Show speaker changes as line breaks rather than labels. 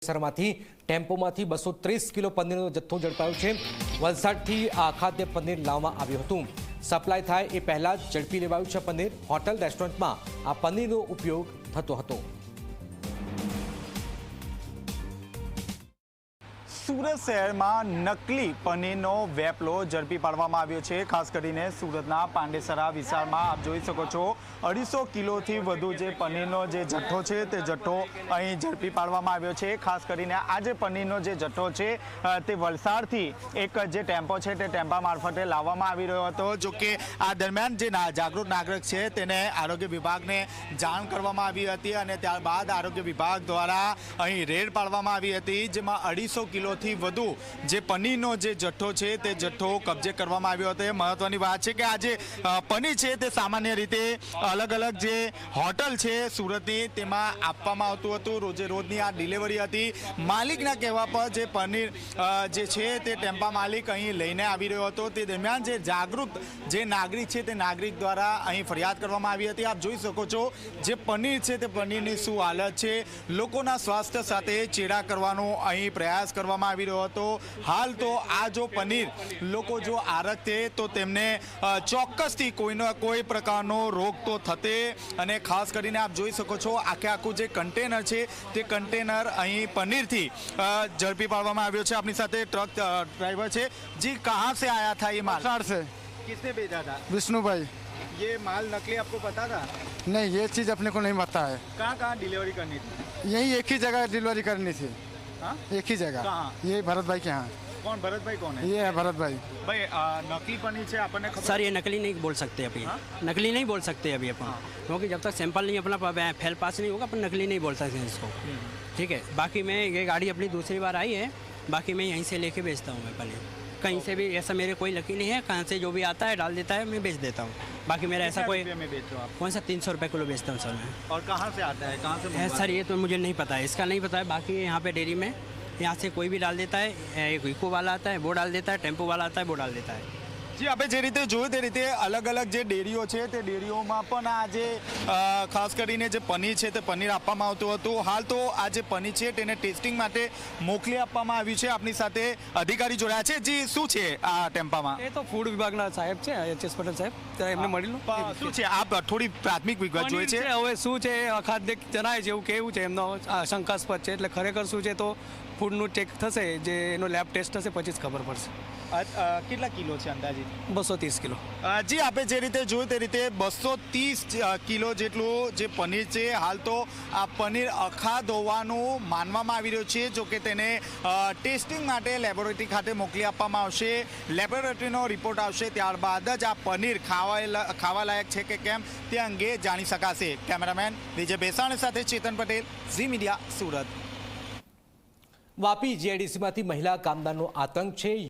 પાંડેસરામાંથી ટેમ્પોમાંથી 230 kilo પનીરનો જથ્થો ઝડપાયો છે। વલસાડથી આ ખાદ્ય પનીર લાવવામાં આવ્યું હતું। સપ્લાય થાય એ પહેલા જ ઝડપી લેવાયું છે પનીર। હોટલ રેસ્ટોરન્ટમાં આ પનીરનો ઉપયોગ થતો હતો।
સુરત શહેરમાં નકલી પનીરનો વેપલો ઝડપી પાડવામાં આવ્યો છે। ખાસ કરીને સુરતના પાંડેસરા વિસ્તારમાં આપ જોઈ શકો છો 250 કિલોથી વધુ જે પનીરનો જે જથ્થો છે તે જથ્થો અહીં ઝડપી પાડવામાં આવ્યો છે। ખાસ કરીને આ જે પનીરનો જે જથ્થો છે તે વલસાડથી એક જે ટેમ્પો છે તે ટેમ્પા મારફતે લાવવામાં આવી રહ્યો હતો। જો કે આ દરમિયાન જે જાગૃત નાગરિક છે તેને આરોગ્ય વિભાગને જાણ કરવામાં આવી હતી અને ત્યારબાદ આરોગ્ય વિભાગ દ્વારા અહીં રેડ પાડવામાં આવી હતી, જેમાં 250 કિલો થી વધુ જે પનીરનો જે જથ્થો છે તે જથ્થો કબજે કરવામાં આવ્યો હતો। મહત્વની વાત છે કે આ જે પનીર છે તે સામાન્ય રીતે અલગ અલગ જે હોટલ છે સુરતની તેમાં આપવામાં આવતું હતું। રોજે રોજની આ ડિલિવરી હતી। માલિકના કહેવા પર જે પનીર જે છે તે ટેમ્પા માલિક અહીં લઈને આવી રહ્યો હતો। તે દરમિયાન જે જાગૃત જે નાગરિક છે તે નાગરિક દ્વારા અહીં ફરિયાદ કરવામાં આવી હતી। આપ જોઈ શકો છો જે પનીર છે તે પનીરની શું હાલત છે, લોકોના સ્વાસ્થ્ય સાથે ચેડા કરવાનો અહીં પ્રયાસ કરવામાં આવી રહ્યો હતો। હાલ તો આ જો પનીર લોકો જો આરખતે તો તેમને ચોક્કસથી કોઈનો કોઈ પ્રકારનો રોગ તો થતે। અને ખાસ કરીને આપ જોઈ શકો છો આખું જે કન્ટેનર છે તે કન્ટેનર અહીં પનીરથી ઝડપી પાડવામાં આવ્યો છે। આપણી સાથે ટ્રક ડ્રાઈવર છે। જી, कहाँ से आया था ये माल?
वलसाड़ से।
किसने भेजा था?
विष्णु भाई।
ये माल नकली आपको पता था?
नहीं, ये चीज़ अपने को नहीं पता है।
कहाँ डिलीवरी करनी थी?
यही एक ही जगह डिलीवरी करनी थी।
हाँ?
एक ही जगह।
कहाँ?
ये भरत भाई के यहाँ।
कौन भरत भाई कौन है?
ये है भरत भाई।
भाई नकली पनीर से आपने खबर?
सर ये नकली नहीं बोल सकते अभी। नकली नहीं बोल सकते अभी अपन, क्योंकि जब तक सैंपल नहीं अपना फैल पास नहीं होगा अपन नकली नहीं बोल सकते इसको। ठीक है, बाकी मैं ये गाड़ी अपनी दूसरी बार आई है, बाकी मैं यहीं से लेके बेचता हूँ मैं पनीर। कहीं से भी ऐसा मेरे कोई लकी नहीं है, कहाँ से जो भी आता है डाल देता है, मैं बेच देता हूँ। बाकी मेरा ऐसा कोई
में बेच रहे हो आप?
कौन सा 300 रुपये किलो बेचता हूँ सर मैं।
और कहाँ से आता है, कहाँ से?
सर ये तो मुझे नहीं पता है, इसका नहीं पता है। बाकी यहाँ पे डेयरी में यहाँ से कोई भी डाल देता है, एक इको वाला आता है वो डाल देता है, टेम्पो वाला आता है वो डाल देता है।
जी, આપણે જે રીતે જોયું તે રીતે અલગ અલગ જે ડેરીઓ છે તે ડેરીઓમાં પણ આ જે ખાસ કરીને જે પનીર છે તે પનીર આપવામાં આવતું હતું। હાલ તો આ જે પનીર છે તેને ટેસ્ટિંગ માટે મોકલી આપવામાં આવ્યું છે। આપણી સાથે અધિકારી જોડાયા છે। જી, શું છે આ ટેમ્પામાં?
એ તો ફૂડ વિભાગના સાહેબ છે એચ.એસ. પટેલ સાહેબ, ત્યારે એમને મળી લો।
શું છે આપ થોડી પ્રાથમિક વિગત જોઈએ છે?
હવે શું છે અખાદ્ય જણાય છે એવું કેવું છે એમનો શંકાસ્પદ છે, એટલે ખરેખર શું છે તો ફૂડનું ચેક થશે, જે એનો લેબ ટેસ્ટ થશે પછી જ ખબર પડશે।
કેટલા કિલો છે અંદાજિત?
230 કિલો।
જી, આપણે જે રીતે જોયું તે રીતે 230 કિલો જેટલું જે પનીર છે। હાલ તો આ પનીર અખાધ હોવાનું માનવામાં આવી રહ્યું છે। જો કે તેને ટેસ્ટિંગ માટે લેબોરેટરી ખાતે મોકલી આપવામાં આવશે। લેબોરેટરીનો રિપોર્ટ આવશે ત્યારબાદ જ આ પનીર ખાવા લાયક છે કે કેમ તે અંગે જાણી શકાશે। કેમેરામેન વિજય બેસાણી સાથે ચેતન પટેલ, ઝી મીડિયા, સુરત।
વાપી જીઆઈડીસીમાંથી મહિલા કામદારનો આતંક છે।